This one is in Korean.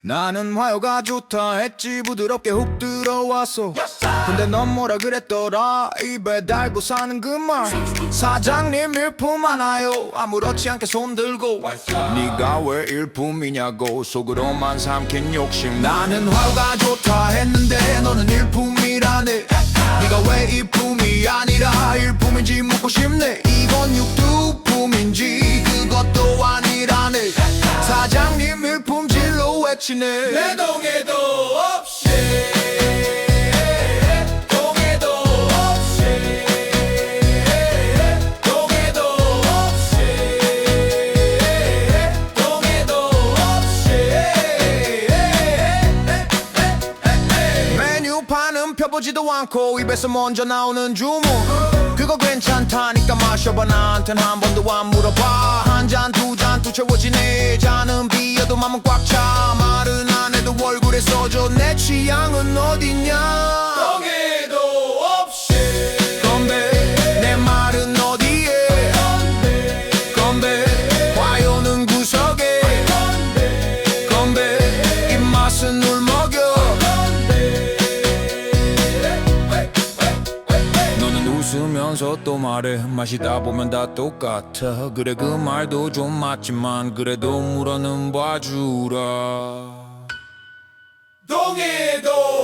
나는 화요가 좋다 했지 부드럽게 훅 들어왔어. 근데 넌 뭐라 그랬더라 입에 달고 사는 그 말. 사장님 일품 하나요 아무렇지 않게 손들고. 네가 왜 일품이냐고 속으로만 삼킨 욕심. 나는 화요가 좋다 했는데 너는 일품이라네. 네가 왜 일품이 아니라 일품인지 묻고 싶네. 이건 육두품인지 그것도 아니라네. 사장님 일품질로 외치네. 내 동해도 없이 동해도 없이 동해도 없이 동해도 없이. 메뉴판은 펴보지도 않고 입에서 먼저 나오는 주문. 그거 괜찮다니까 마셔봐. 나한텐 한 번도 안 물어봐. 한 잔 두 잔 또 채워지네. 잔은 비어도 맘은 꽉 차. 말은 안 해도 얼굴에 써줘. 내 취향은 어딨냐. 동해도 없이 건배. 내 말은 어디에 건배. 화요는 구석에 건배. 입맛은 울먹여. 웃으면서 또 말해. 마시다 보면 다 똑같아. 그래 그 말도 좀 맞지만 그래도 물어는 봐주라. 동해도